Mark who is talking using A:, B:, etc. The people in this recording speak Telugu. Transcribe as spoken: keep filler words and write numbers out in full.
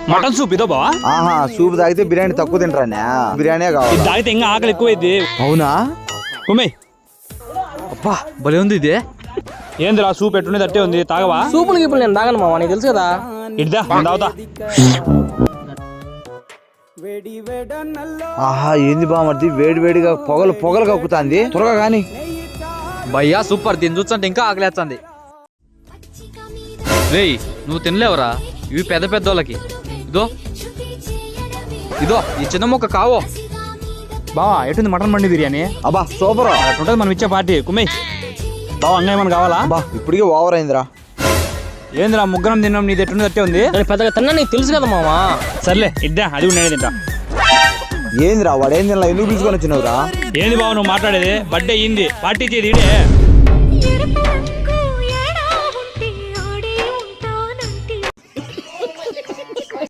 A: మటన్ సూప్ ఇదో బావా.
B: ఆహా సూప్ తాగితే బిర్యానీ తక్కువ తింటారా? బిర్యానీ కావాలి.
A: తాగితే ఇంకా ఆకలి ఎక్కువైంది.
B: అవునా?
A: కుమ్మే
C: అబ్బా భలే ఉంది ఇది.
A: ఏందిరా సూప్ ఎట్టుండే తట్టే ఉంది, తాగవా?
D: సూపులకి ఇప్పుడు నేను తాగను మామ, నీకు తెలుసు కదా.
A: ఇద్దా తాగుతా.
B: ఆహా ఏంది బామర్ది, వేడి వేడిగా పొగలు పొగలు కక్కుతాంది. త్వరగా కానీ.
C: భయ్యా సూపర్, దీన్ని చూస్తుంటే ఇంకా ఆకలేస్తుంది. రేయ్ నువ్వు తినలేవరా, ఇవి పెద్ద పెద్ద వాళ్ళకి. ఇదో ఇదో ఈ చిన్న మొక్క కావో.
A: బావా ఎటుంది మటన్ మండి బిర్యానీ?
B: అబ్బా సూపర్.
A: అట్టుంటది మనం ఇచ్చే పార్టీ. కుమ్మే బావా అంగా ఏమన్నా కావాలా?
B: అబ్బా ఇప్పటికే ఓవర్ అయిందిరా.
A: ఏందిరా ముగ్గురం తిన్నాం, నీది ఎట్టుండే తట్టే ఉంది.
D: నేను పెద్దగా తిన్నా, నీకు తెలుసు కదా మామ.
A: సర్లే ఇద్దా, అది కూడా నేనే తింటా.
B: ఏందిరా వాడు ఏం తినలా, ఎందుకు పిలుచుకొని వచ్చినవురా?
A: ఏంది బావ నువ్వు మాట్లాడేది? బర్త్డే అయ్యింది, పార్టీ చేది ఇడే.